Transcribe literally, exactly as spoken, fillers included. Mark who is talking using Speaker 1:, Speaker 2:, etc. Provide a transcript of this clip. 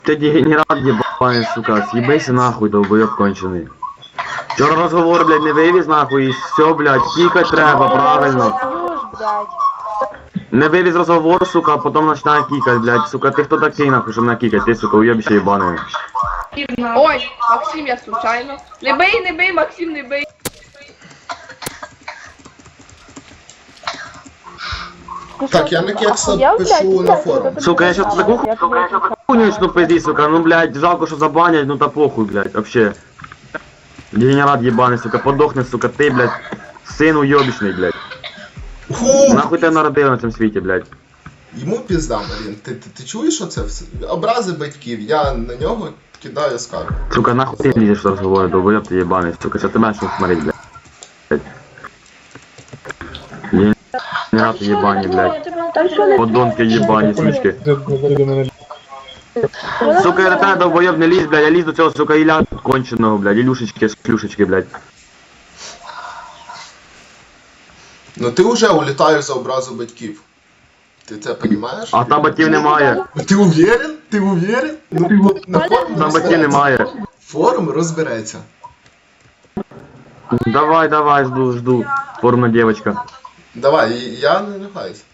Speaker 1: Ты дегенерат ебаный, сука, съебайся нахуй, долбоёб конченый. Вчора розговор, блядь, не вивіз нахуй, і все, блядь, кікать треба, правильно. Не вивіз розговор, сука, а потом починає кікать, блядь, сука, ти хто такий, нахуй, щоб мене кікать, ти, сука, уєбище єбаний.
Speaker 2: Ой, Максим, я случайно. Не бий, не бий, Максим, не бий.
Speaker 3: Так, я на кекса пишу на форум.
Speaker 1: Сука, я щас таку хуйню начну пиздить, сука, ну, блядь, жалко, що забанять, ну та похуй, блядь, вообще. Дегенерат ебаный, сука, подохни, сука, ты, блядь, сын уёбищный, блядь.
Speaker 3: Фу!
Speaker 1: Нахуй ты народив на цьому світі, блядь.
Speaker 3: Йому пізда, Марін. Ти, ти, ти чуєш оце все? Образи батьків, я на нього кидаю скаргу.
Speaker 1: Сука, нахуй ты лезешь в разговор, долбоёб ты ебаный, сука, сейчас ты начнешь смотреть, блядь. Дегенераты ебаные, блядь. Подонки ебаные, сучки. Сука, я до тебе долбоёб не лізь, блядь, я лізь до цього, сука, Ілля конченого, блядь, Ілюшечки, шлюшечки, блядь.
Speaker 3: Ну ти вже улітаєш за образу батьків. Ти це розумієш?
Speaker 1: А там батьків немає.
Speaker 3: Ти уверен? Ти уверен? Ну, на форум
Speaker 1: Там батьків немає.
Speaker 3: Форум розбереться.
Speaker 1: Давай, давай, жду, жду. Порно девочка.
Speaker 3: Давай, я не нахаюсь.